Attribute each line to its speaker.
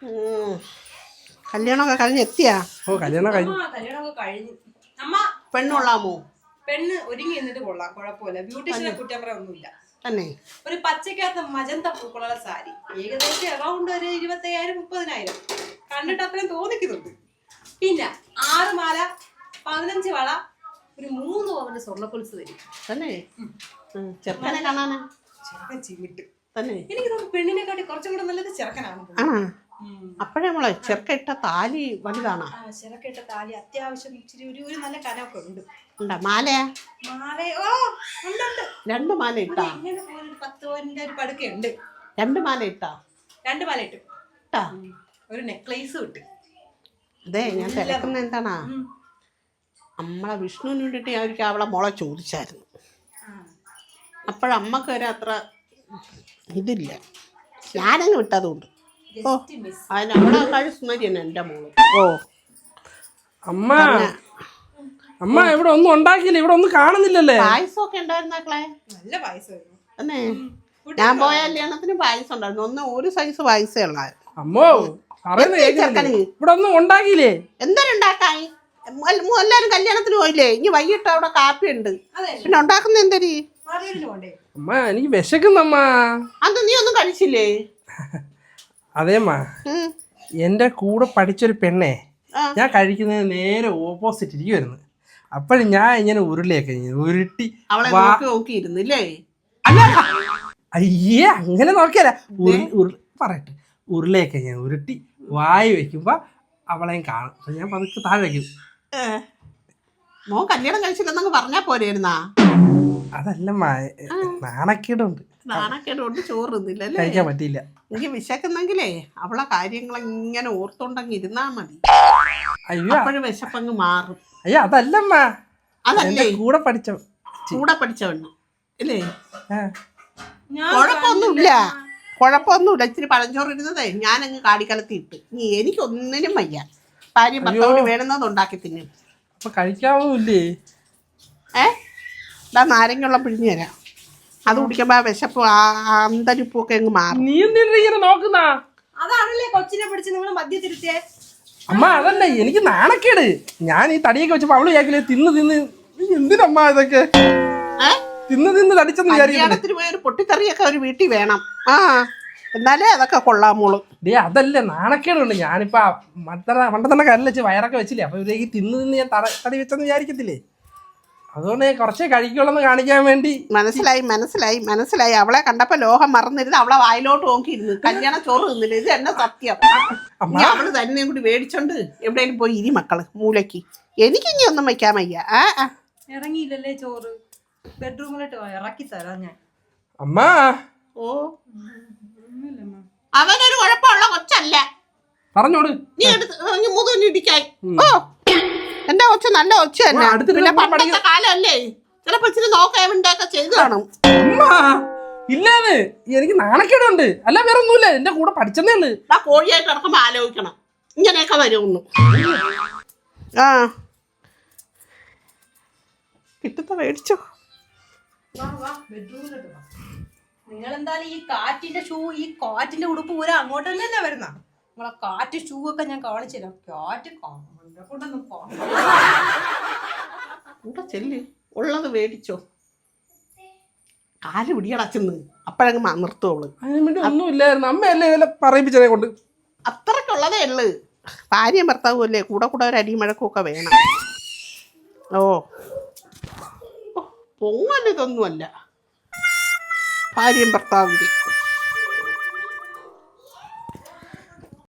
Speaker 1: കല്യാണമൊക്കെ കഴിഞ്ഞ് എത്തിയാ?
Speaker 2: ഓ കല്യാണമൊക്കെ
Speaker 3: കഴിഞ്ഞു. അമ്മ
Speaker 1: പെണ്ണുള്ളാമോ?
Speaker 3: പെണ്ണ് ഒരുങ്ങി എന്നിട്ട് കൊള്ളാം, കുഴപ്പമില്ല. ബ്യൂട്ടീഷ്യനെ കുറ്റം പറയാനൊന്നുമില്ല.
Speaker 1: തന്നെ
Speaker 3: ഒരു പച്ചക്കകത്ത് മജന്ത പൂക്കളുള്ള സാരി, ഏകദേശം അറൗണ്ട് ഒരു 25,000-30,000 കണ്ടിട്ട് അത്രയും തോന്നിക്കുന്നുണ്ട്. പിന്നെ 6 മാല, 15 വള, ഒരു 3 പവന്റെ സ്വർണ്ണക്കൊലുസ് തരും.
Speaker 1: തന്നെ ചെറുക്കനെ കാണാനാ?
Speaker 3: ചെറുക്കൻ ചിമിട്ട്
Speaker 1: തന്നെ.
Speaker 3: എനിക്ക് തോന്നുന്നു പെണ്ണിനെക്കാട്ടി കുറച്ചും കൂടെ നല്ലത് ചെറുക്കനാണ്.
Speaker 1: അപ്പഴേ നമ്മളെ ചെറുക്ക ഇട്ട താലി വലുതാണോ?
Speaker 3: ചെറുക്ക ഇട്ട താലി അത്യാവശ്യം ഇച്ചിരി ഒരു നല്ല കനമൊക്കെ ഉണ്ട്.
Speaker 1: മാലയാ?
Speaker 3: മാലയോ ഉണ്ട്.
Speaker 1: 2 മാല ഇട്ടാ?
Speaker 3: ഇങ്ങനെ പോലെ 10 പവന്റെ ഒരു പടുക്കുണ്ട്.
Speaker 1: 2 മാല ഇട്ടാ?
Speaker 3: 2 മാല ഇട്ടു. ഒരു നെക്ലേസ് ഇട്ട്.
Speaker 1: അതെ ഞാൻ തിരക്കുന്ന എന്താണാ, നമ്മളെ വിഷ്ണുവിന് വേണ്ടിട്ട് ഞാൻ ഒരിക്കൽ അവളെ മോളെ ചോദിച്ചായിരുന്നു. അപ്പോഴമ്മക്ക് വരെ അത്ര ഇതില്ല, ഞാനങ്ങ് വിട്ടതുകൊണ്ട്. ഓ അതിനവിടെ കഴി സുന്ദരി തന്നെ എൻ്റെ മോള്. ഓ
Speaker 2: അമ്മ അമ്മ ഇവിടെ ഒന്നും ഉണ്ടാക്കിയില്ല, ഇവിടെ ഒന്നും കാണുന്നില്ലല്ലേ?
Speaker 1: പായസമൊക്കെ ഉണ്ടായിരുന്നാക്കളെ?
Speaker 3: നല്ല പായസമായിരുന്നു.
Speaker 1: അന്നേ ഞാൻ പോയ കല്യാണത്തിന് പായസം ഉണ്ടായിരുന്നു. ഒരു സൈസ് പായസേ ഉള്ളായിരുന്നു.
Speaker 2: അമ്മോ ഇവിടെ ഒന്നും ഉണ്ടാക്കിയില്ലേ?
Speaker 1: എന്തരുണ്ടാക്കായി? എല്ലാരും കല്യാണത്തിന് പോയില്ലേ? ഇനി വൈകിട്ട് അവിടെ കാപ്പി ഉണ്ട്. പിന്നെ ഉണ്ടാക്കുന്ന എന്തരി?
Speaker 2: അമ്മ എനിക്ക് വിശക്കുന്നമ്മ.
Speaker 1: അത് നീ ഒന്നും കഴിച്ചില്ലേ?
Speaker 2: അതേമ്മ, എന്റെ കൂടെ പഠിച്ചൊരു പെണ്ണെ ഞാൻ കഴിക്കുന്നത് നേരെ ഓപ്പോസിറ്റ് ഇരിക്കുവായിരുന്നു. അപ്പോഴും ഞാൻ ഇങ്ങനെ ഉരുളിയൊക്കെ ഉരുട്ടി
Speaker 1: നോക്കിയിരുന്നില്ലേ?
Speaker 2: അയ്യേ അങ്ങനെ നോക്കിയല്ല, പറയട്ടെ, ഉരുളിയൊക്കെ ഞാൻ ഉരുട്ടി വായി വെക്കുമ്പോ അവളെയും കാണും. അപ്പൊ ഞാൻ പതുക്കെ താഴെ വയ്ക്കും.
Speaker 1: മോൻ കല്യാണം കഴിച്ചില്ലെന്നങ്ങ് പറഞ്ഞാ പോരായിരുന്നാ?
Speaker 2: അതല്ല നാണക്കേടുണ്ട്.
Speaker 1: നാണക്കേടുകൊണ്ട് ചോറ് തിന്നില്ലല്ലേ?
Speaker 2: കഴിക്കാൻ പറ്റിയില്ല.
Speaker 1: എനിക്ക് വിശക്കുന്നെങ്കിലേ അവളെ കാര്യങ്ങൾ ഇങ്ങനെ ഓർത്തോണ്ടങ്ങ് ഇരുന്നാ മതി.
Speaker 2: അയ്യോ
Speaker 1: അപ്പോഴും വിശപ്പങ്ങ് മാറും.
Speaker 2: അയ്യോ അതല്ലമ്മ, അതല്ലേ കൂടെ
Speaker 1: പഠിച്ചവണ്ണം അല്ലേ? കുഴപ്പമൊന്നുമില്ല. ഇച്ചിരി പഴഞ്ചോറ് ഇരുന്നതേ ഞാനങ്ങ് കാടിക്കലത്തി ഇട്ട്. നീ എനിക്കൊന്നിനും വയ്യ. ഭാര്യയും ഭർത്താവിന് വേണമെന്നത് ഉണ്ടാക്കി തിന്നും.
Speaker 2: അപ്പൊ കഴിക്കാവൂല്ലേ?
Speaker 1: നാരങ്ങുള്ള പിഴിഞ്ഞു തരാം. അത് കുടിക്കുമ്പോ വിശപ്പ് അന്തരിപ്പൊക്കെ അങ്ങ് മാറും.
Speaker 2: നീ എന്തിനാ നോക്കുന്ന?
Speaker 3: അതാണല്ലേ കൊച്ചിനെ പിടിച്ച് നിങ്ങൾ മദ്യത്തിരുത്തിയേ.
Speaker 2: അമ്മ അതല്ല, എനിക്ക് നാണക്കേട്. ഞാൻ ഈ തടിയൊക്കെ വെച്ചപ്പോ അവള് വിചാരിക്കില്ലേ തിന്ന് എന്തിനമ്മ ഇതൊക്കെ തിന്ന് തടിച്ചെന്ന് വിചാരിക്കും.
Speaker 1: പോയ ഒരു പൊട്ടിക്കറിയൊക്കെ ഒരു വീട്ടിൽ വേണം. എന്നാലേ അതൊക്കെ കൊള്ളാമോളൂ.
Speaker 2: അതല്ലേ നാണക്കേടുണ്ട്. ഞാനിപ്പോ മണ്ടത്തന്നെ കല്ല് വയറൊക്കെ വെച്ചില്ലേ, അപ്പൊ ഇവരേക്ക് തിന്ന് ഞാൻ തടി വെച്ചെന്ന് വിചാരിക്കത്തില്ലേ? അതുകൊണ്ട് കുറച്ചേ കഴിക്കുള്ളൂ കാണിക്കാൻ വേണ്ടി.
Speaker 1: മനസ്സിലായി. അവളെ കണ്ടപ്പോ ലോഹം മറന്നിരുന്ന് അവളെ വായിലോട്ട് നോക്കിയിരുന്നു. കല്യാണ ചോറ് തിന്നില്ല. ഇത് എന്നെ സത്യം. അവള് തന്നെ കൂടി മേടിച്ചോണ്ട് എവിടെയെങ്കിലും പോയി ഇരി മക്കള് മൂലക്ക്. എനിക്കിനി ഒന്നും വയ്ക്കാൻ വയ്യ.
Speaker 3: ഇറങ്ങിയില്ലല്ലേ ചോറ്? ബെഡ്റൂമിലോട്ട് ഇറക്കി തരാം ഞാൻ.
Speaker 2: അമ്മ
Speaker 1: അവനൊരു കുഴപ്പമുള്ള കൊച്ചല്ല.
Speaker 2: പറഞ്ഞോട്
Speaker 1: നീ മുതുകിടിക്കായി. എന്റെ കൊച്ചു നല്ല കൊച്ചു തന്നെ. പിന്നെ പണ്ടത്തെ കാലമല്ലേ, ചിലപ്പോ ഇച്ചിരി നോക്കേണ്ടൊക്കെ ചെയ്തു കാണും.
Speaker 2: ഇല്ലാതെ എനിക്ക് നാണക്കേടുണ്ട്, അല്ല വേറെ ഒന്നുമില്ല. എന്റെ കൂടെ പഠിച്ചതേ ഉള്ളു.
Speaker 1: ആ കോഴിയായിട്ട് ഇറക്കുമ്പോ ആലോചിക്കണം ഇങ്ങനെയൊക്കെ വരുമെന്ന്. കിട്ടത്ത മേടിച്ചോ?
Speaker 3: നിങ്ങൾ എന്തായാലും ഈ കാറ്റിന്റെ ഉടുപ്പ് പൂര അങ്ങോട്ട് തന്നെ വരുന്ന നിങ്ങളെ കാറ്റ് ഷൂ ഒക്കെ ഞാൻ കാണിച്ചു തരാം. കാറ്റ്
Speaker 1: ചെല്ലി ഉള്ളത് മേടിച്ചോ. കാല് പിടിയടച്ചെന്ന് അപ്പഴങ്ങ് നിർത്തോള്.
Speaker 2: അതിന് വേണ്ടി ഒന്നുമില്ലായിരുന്നു. അമ്മയല്ലേ ഇതെല്ലാം പറയിപ്പിച്ചതിനെ കൊണ്ട്.
Speaker 1: അത്രക്കുള്ളതേ ഉള്ളു. ഭാര്യയും ഭർത്താവും അല്ലേ, കൂടെ ഒരു അടിമഴക്കും ഒക്കെ വേണം. പൊങ്ങൽ ഇതൊന്നുമല്ല ഭാര്യയും ഭർത്താവിൻ്റെ.